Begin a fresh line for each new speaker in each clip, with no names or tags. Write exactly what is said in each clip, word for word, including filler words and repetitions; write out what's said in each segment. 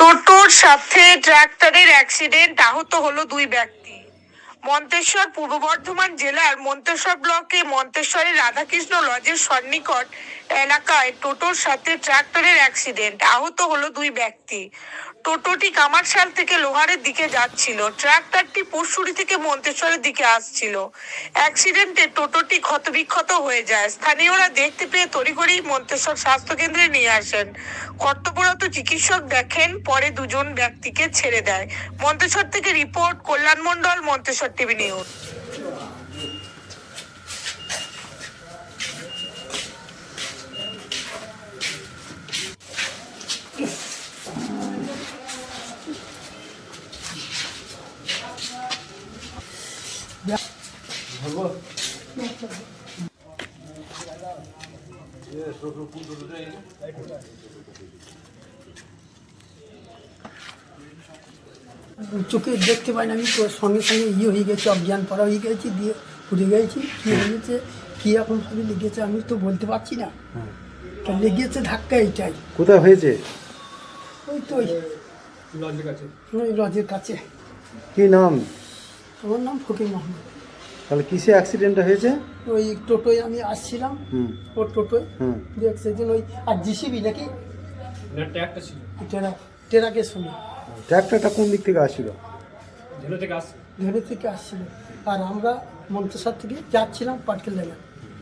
টোটোর সাথে ট্রাক্টরের অ্যাক্সিডেন্ট, আহত হলো দুই ব্যক্তি। মন্তেশ্বর পূর্ব বর্ধমান জেলার মন্তেশ্বর ব্লকে মন্তেশ্বরের রাধাকৃষ্ণ লজের সন্নিকট এলাকায় টোটোর সাথে ট্রাক্টরের অ্যাক্সিডেন্ট, আহত হলো দুই ব্যক্তি। টোটোটি কামারশাল থেকে লোহারের দিকে যাচ্ছিল, ট্রাক্টরটি পরশুরি থেকে মন্তেশ্বরের দিকে আসছিল। অ্যাক্সিডেন্টে টোটোটি ক্ষতবিক্ষত হয়ে যায়। স্থানীয়রা দেখতে পেয়ে তড়িঘড়ি মন্তেশ্বর স্বাস্থ্য কেন্দ্রে নিয়ে আসেন। কর্তব্যরত চিকিৎসক দেখেন, পরে দুজন ব্যক্তিকে ছেড়ে দেয়। মন্তেশ্বর থেকে report, Kalyan Mondal, Manteswar TV news.
চোখে দেখতে পাই না, আমি তো সঙ্গে সঙ্গে ইয়ে হয়ে গেছি, অজ্ঞান পড়া হয়ে গেছি, দিয়ে পুড়ে গেছি। কী হয়েছে, কী এখন ভাবে লেগেছে আমি তো বলতে পারছি না। তা লেগেছে ধাক্কা এইটাই।
কোথায় হয়েছে?
ওই তো ওই লজের কাছে। ওই লজের কাছে।
কি নাম?
আমার নাম ফকির মোহাম্মদ।
তাহলে কিসে অ্যাক্সিডেন্টটা হয়েছে?
ওই টোটোয় আমি আসছিলাম,
হুম
ওর টোটোয়
হুম
দু এক সেদিন ওই আর জিসিবি নাকি
ট্র্যাকটা ছিল,
টেরা টেরাকের সঙ্গে
ট্র্যাক্টরটা কোন দিক থেকে আসছিল?
ধেলে থেকে আস
ধরে থেকে আসছিল, আর আমরা মন্তেশ্বর থেকে যাচ্ছিলাম পাটকেল জায়গা।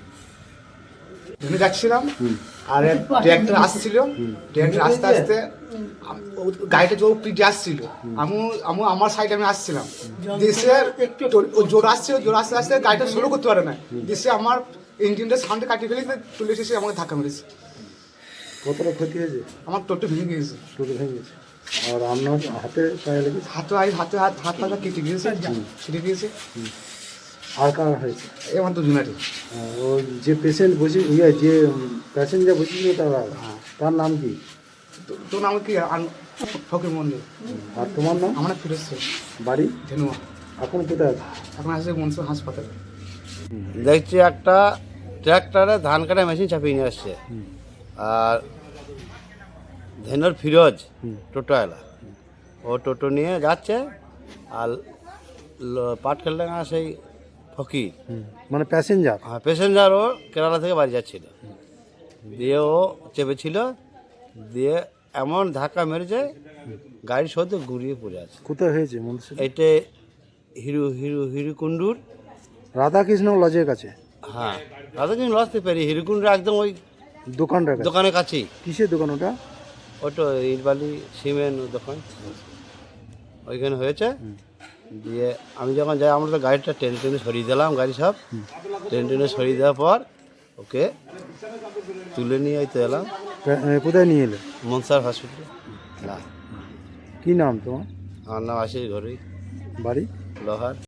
ধরে যাচ্ছিলাম আর ট্র্যাক্টর আসছিল, ট্র্যাক্টর আস্তে আস্তে আম- ও- গাড়িটা জোর পিঠে আসছিল, আমি আমি আমার সাইডে আমি আসছিলাম, দেশে ও জোর আসছিল, জোর আস্তে আস্তে গাড়িটা স্লো করতে পারে না, দেশে আমার ইঞ্জিনটা সামনে কাটিয়ে ফেলে তুলে এসে আমাকে ধাক্কা মেরেছে।
কতটা ক্ষতি হয়েছে?
আমার টোটো ভেঙে গিয়েছে,
টোটো ভেঙে গেছে। আর আপনার হাতে পায়ে লেগেছে?
হাতে আই হাতে হাত হাত পাতা কেটে গিয়েছে, কেটে গিয়েছে।
আর কার হয়েছে?
এ আমার তো জুনারি।
আহ, ওই যে পেশেন্ট বসে ইয়ে যে প্যাসেঞ্জার বসেছিল তার তার নাম কি?
তো- তোর নাম কি? আন- ফকির মন্দির।
আর তোমার নাম?
আমরা ফিরেছে
বাড়ি?
ধেনুয়া।
এখন কোথায় আছে?
এখন আসছে মনসুর হাসপাতালে।
দেখছি একটা ট্র্যাক্টরে ধান কাটা মেশিন চাপিয়ে নিয়ে আসছে, আর ধেনুর ফিরোজ টোটোওয়ালা, ও টোটো নিয়ে যাচ্ছে, আর ল- পাটকেলডাঙ্গা সেই ফকির
মানে প্যাসেঞ্জার?
প্যাসেঞ্জার, ও কেরালা থেকে বাড়ি যাচ্ছিল, দিয়ে ও চেপেছিল, দিয়ে এমন ধাক্কা মেরেছে গাড়ি সদ্য ঘুরিয়ে পড়ে আছে।
কোথায় হয়েছে? মন্তেশ্বর
এইটা হিরু হিরু হিরুকুণ্ডুর,
রাধাকৃষ্ণ লজের কাছে।
হ্যাঁ দাদা কিন্তু লসতে পারি, হিরুকুণ্ডুর একদম ওই
দোকানটার কাছে?
দোকানের কাছেই।
কিসের দোকান ওটা?
ওটা ইটবালি সিমেন্ট দোকান, ওইখানে হয়েছে। দিয়ে আমি যখন যাই, আমরা তো গাড়িটা টেনে টেনে সরিয়ে দিলাম, গাড়ি সব টেনে টেনে সরিয়ে দেওয়ার পর ওকে তুলে নিয়ে তো এলাম
প্যা- এ, কোথায় নিয়ে এলে?
মনসার হসপিটালে। না,
কি নাম তোমার?
আমার নাম আশিস ঘরেই,
বাড়ি?
লোহার।